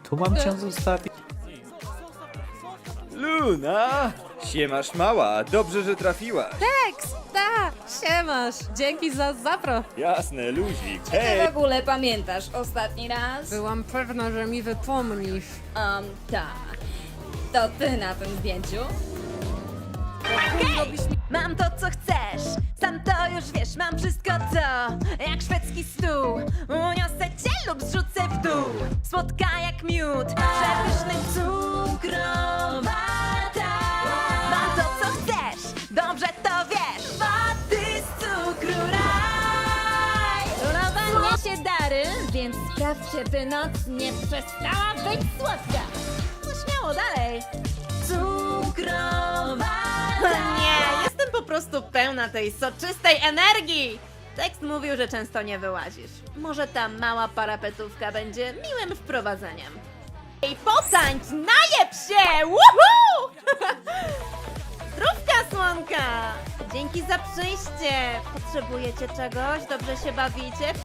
Tu mam cię zostawić? Luna! Siemasz mała, dobrze, że trafiłaś. Ta, siemasz. Dzięki za zapro. Jasne, luzik. Ty Hej! w ogóle pamiętasz ostatni raz? Byłam pewna, że mi wypomnisz. Tak. To ty na tym zdjęciu? Mam to, co chcesz, sam to już wiesz, mam wszystko to, jak szwedzki stół. Uniosę cię lub zrzucę w dół, słodka jak miód, przepyszny cukrowata. Mam to, co chcesz, dobrze to wiesz, wody z cukru raj. Królowa niesie dary, więc sprawdź, czy by noc nie przestała być słodka. No śmiało, dalej. Cukrowata. Nie, jestem po prostu pełna tej soczystej energii. Tekst mówił, że często nie wyłazisz. Może ta mała parapetówka będzie miłym wprowadzeniem. I potańcz, najeb się! Woohoo! Zdrówka, słonka! Dzięki za przyjście. Potrzebujecie czegoś? Dobrze się bawicie?